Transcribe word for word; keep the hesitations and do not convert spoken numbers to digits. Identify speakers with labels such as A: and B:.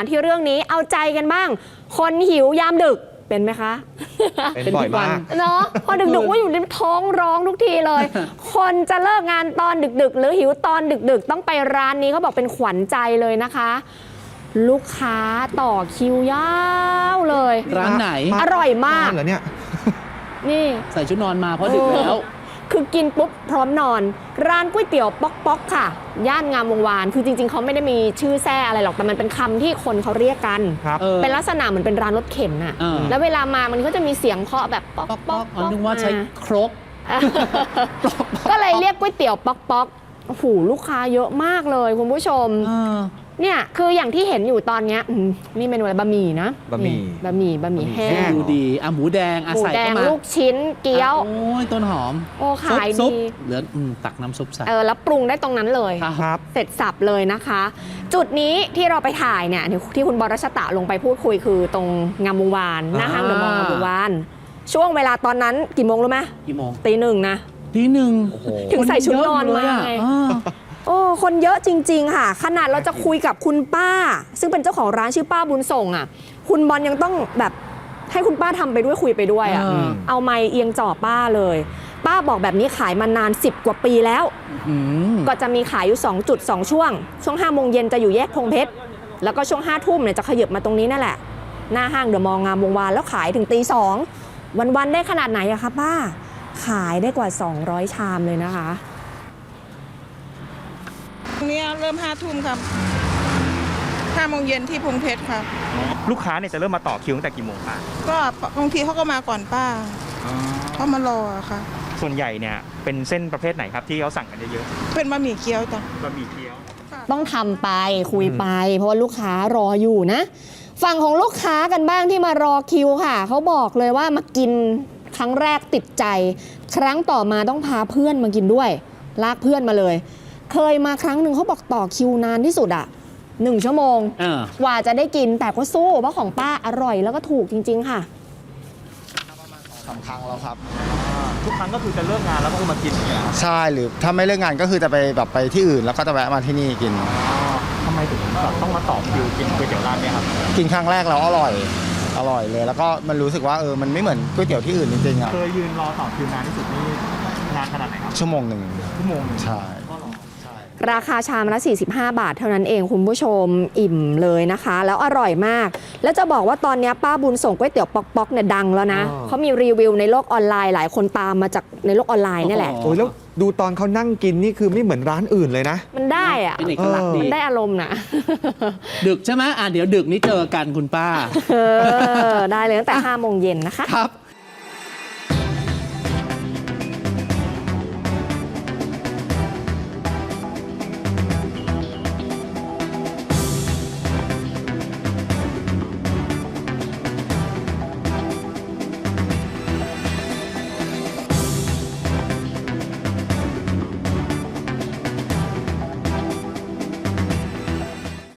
A: ที่เรื่องนี้เอาใจกันบ้างคนหิวยามดึกเป็นไหมคะ
B: เป็นบ่อยมาก
A: เนาะพอดึกๆว่าอยู่ในท้องร้องทุกทีเลย คนจะเลิกงานตอนดึกๆหรือหิวตอนดึกๆต้องไปร้านนี้เขาบอกเป็นขวัญใจเลยนะคะ ลูกค้าต่อคิวยาวเลย
C: ร้านไหน
A: อร่อยมาก
B: เหรอเนี่ย
A: นี่
C: ใส่ชุดนอนมาเพราะดึกแล้ว
A: คือกินปุ๊บพร้อมนอนร้านก๋วยเตี๋ยวป๊อกป๊อกค่ะย่านงามวงวานคือจริงๆเขาไม่ได้มีชื่อแท้อะไรหรอกแต่มันเป็นคำที่คนเขาเรียกกันเป็นลักษณะเหมือนเป็นร้านรถเข็นน่ะแล้วเวลามามันก็จะมีเสียงเคาะแบบป๊อกป๊อก
C: นึกว่าใช้ครก
A: ก็เลยเรียกก๋วยเตี๋ยวป๊อกป๊อกโอ้โหลูกค้าเยอะมากเลยคุณผู้ชมเนี่ยคืออย่างที่เห็นอยู่ตอนนี้นี่เมนูอะไรบะหมี่นะ
B: บะหมี่
A: บะหมี่บะหมี่แห้ง
C: ดูดีอ่ะหมูแดงอ่ะใส่เข้ามา
A: ลูกชิ้นเกี๊ยว
C: โอ้ยต้นหอม
A: โอ้ขายดี
C: เหลือตักน้ำซุปใส่
A: เออแล้วปรุงได้ตรงนั้นเลย
B: ครับ
A: เสร็จสับเลยนะคะ จุดนี้ที่เราไปถ่ายเนี่ยที่คุณบรชตะลงไปพูดคุยคือตรงงามวงวานหน้าห้างเดอะมอลล์งามวงวานช่วงเวลาตอนนั้นกี่โมงรู้ไหม
C: กี่โมง
A: ตีหนึ่งนะ
C: ตีหนึ่ง
A: ถึงใส่ชุดนอนมาไงโอ้คนเยอะจริงๆค่ะขนาดเราจะคุยกับคุณป้าซึ่งเป็นเจ้าของร้านชื่อป้าบุญส่งอ่ะคุณบอลยังต้องแบบให้คุณป้าทำไปด้วยคุยไปด้วยอ่ะเอาไมค์เอียงจ่อป้าเลยป้าบอกแบบนี้ขายมานานสิบกว่าปีแล้วก็จะมีขายอยู่สองจุดสองช่วงช่วงห้าโมงเย็นจะอยู่แยกพงเพชรแล้วก็ช่วงห้าทุ่มเนี่ยจะขยับมาตรงนี้นั่นแหละหน้าห้างเดอะมอลล์งามวงวานแล้วขายถึงตีสองวันๆได้ขนาดไหนอะคะป้าขายได้กว่าสองร้อยชามเลยนะคะ
D: ตรงนี้เริ่มห้าทุ่มครับห้าโมงเย็นที่พงเพชรครับ
E: ลูกค้าเนี่ยจะเริ่มมาต่อคิวตั้งแต่กี่โมงป้า
D: ก็บางทีเขาก็มาก่อนป้าเขามารอค่ะ
E: ส่วนใหญ่เนี่ยเป็นเส้นประเภทไหนครับที่เขาสั่งกันเยอะ
D: ๆเป็นบะหมี่เกี๊ยวจ้ะ
E: บะหมี่เกี๊ยว
A: ต้องทำไปคุยไปเพราะว่าลูกค้ารออยู่นะฝั่งของลูกค้ากันบ้างที่มารอคิวค่ะเขาบอกเลยว่ามากินครั้งแรกติดใจครั้งต่อมาต้องพาเพื่อนมากินด้วยลากเพื่อนมาเลยเคยมาครั้งหนึ่งเขาบอกต่อคิวนานที่สุดอ่ะหนึ่งชั่วโมงกว่าจะได้กินแต่ก็สู้เพราะของป้าอร่อยแล้วก็ถูกจริงๆค่ะ
F: ประมาณสองสามครั้งแล้วครับ
E: ทุกครั้งก็คือจะเลิกงานแล้วก็มากิน
F: ใช่หรือถ้าไม่เลิกงานก็คือจะไปแบบไปที่อื่นแล้วก็จะแวะมาที่นี่กิน
E: ทำไมถึงต้องมาต่อคิวกินก๋วยเตี๋ยวร้านนี้ครับ
F: กินครั้งแรกแล้วอร่อยอร่อยเลยแล้วก็มันรู้สึกว่าเออมันไม่เหมือนก๋วยเตี๋ยวที่อื่นจริงๆอ่ะ
E: เคยยืนรอต่อคิวนานที่สุดนี่นานขนาดไหนครับ
F: ชั่วโมงหนึ่ง
E: ชั่วโมง
F: ใช่
A: ราคาชามละสี่สิบห้าบาทเท่านั้นเองคุณผู้ชมอิ่มเลยนะคะแล้วอร่อยมากแล้วจะบอกว่าตอนนี้ป้าบุญส่งก๋วยเตี๋ยวป๊อกๆเนี่ยดังแล้วนะเขามีรีวิวในโลกออนไลน์หลายคนตามมาจากในโลกออนไลน์นี่แหละ
B: โอ้ยแล้วดูตอนเขานั่งกินนี่คือไม่เหมือนร้านอื่นเลยนะ
A: มันได้อะ
C: เป็นเอกลักษณ์ดี
A: มันได้อารมณ์นะ
C: ดึกใช่ไหมอ่ะเดี๋ยวดึกนี้เจอกันคุณป้า
A: ได้เลยตั้งแต่ห้าโมงเย็นนะคะ
C: ครับ